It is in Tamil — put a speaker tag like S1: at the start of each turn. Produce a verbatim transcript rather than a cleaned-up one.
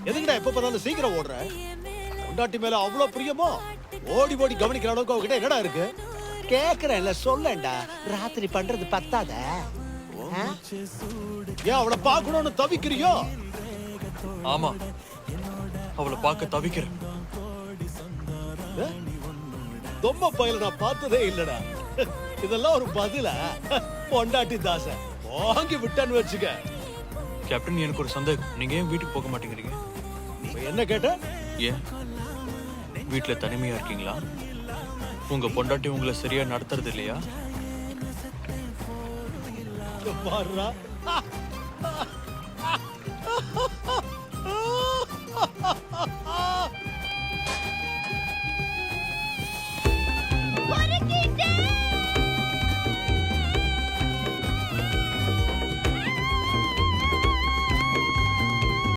S1: எதுக்குடா எப்ப பார்த்தாலும் சீக்கிரம் ஓடுற? பொண்டாட்டி மேல அவ்வளவு பிரியமோ? ஓடி ஓடி கவனிக்கிற அளவுக்கு அவகிட்ட என்னடா இருக்கு?
S2: கேக்குறேன்ல சொல்லேன்டா. ராத்திரி பண்றது பத்தாத.
S1: ஏன் அவளை பார்க்கணும்னு தவிக்கிறியோ?
S3: ஆமா, அவளை பார்க்க தவிக்கிறேன்.
S1: தொம்ப பயில நான் பார்த்ததே இல்லடா. இதெல்லாம் ஒரு பதில? பொண்டாட்டி தாச வாங்கி விட்டான்னு வச்சுக்க.
S3: கேப்டன், எனக்கு ஒரு சந்தேகம். நீங்க ஏன் வீட்டுக்கு போக மாட்டேங்கிறீங்க?
S1: என்ன கேட்ட?
S3: ஏன் வீட்டுல தனிமையா இருக்கீங்களா? உங்க பொண்டாட்டி உங்களை சரியா நடத்துறது இல்லையா?
S1: பாருடா,